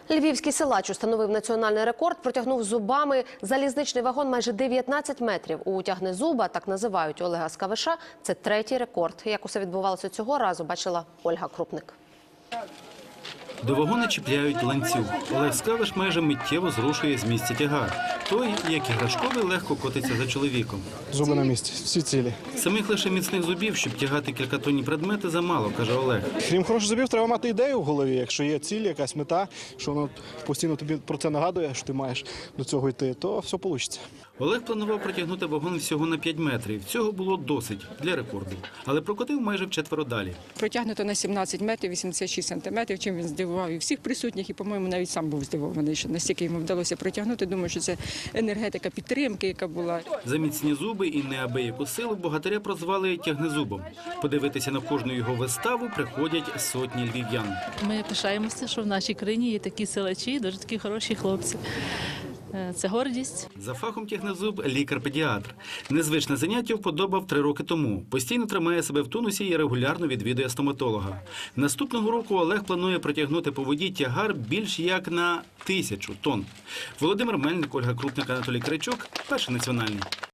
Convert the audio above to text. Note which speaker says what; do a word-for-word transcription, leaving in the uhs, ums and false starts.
Speaker 1: Львівський силач установив національний рекорд, протягнув зубами залізничний вагон майже дев'ятнадцять метрів. У тягнезуба, так називають Олега Скавиша, це третій рекорд. Як усе відбувалося цього разу, бачила Ольга Крупник.
Speaker 2: До вагона чіпляють ланцюг. Олег Скавиш майже миттєво зрушує з місця тягар. Той, як іграшковий, легко котиться за чоловіком.
Speaker 3: Зуби на місці, всі цілі.
Speaker 2: Самих лише міцних зубів, щоб тягати кількатонні предмети, замало, каже Олег.
Speaker 3: Крім хороших зубів, треба мати ідею в голові. Якщо є ціль, якась мета, що воно постійно тобі про це нагадує, що ти маєш до цього йти, то все вийде.
Speaker 2: Олег планував протягнути вагон всього на п'ять метрів. Цього було досить для рекорду. Але прокотив майже вчетверо далі.
Speaker 4: Протягнуто на сімнадцять метрів, вісімдесят шість сантиметрів, чим він здивував і всіх присутніх, і, по-моєму, навіть сам був здивований, що настільки йому вдалося протягнути. Думаю, що це енергетика підтримки, яка була.
Speaker 2: За міцні зуби і неабияку силу богатиря прозвали тягнезубом. Подивитися на кожну його виставу приходять сотні львів'ян.
Speaker 5: Ми пишаємося, що в нашій країні є такі силачі, дуже такі хороші хлопці. Це гордість.
Speaker 2: За фахом тягнезуб – лікар-педіатр. Незвичне заняття вподобав три роки тому. Постійно тримає себе в тонусі і регулярно відвідує стоматолога. Наступного року Олег планує протягнути по воді тягар більш як на тисячу тонн. Володимир Мельник, Ольга Крупник, Анатолій Кричок. Перший національний.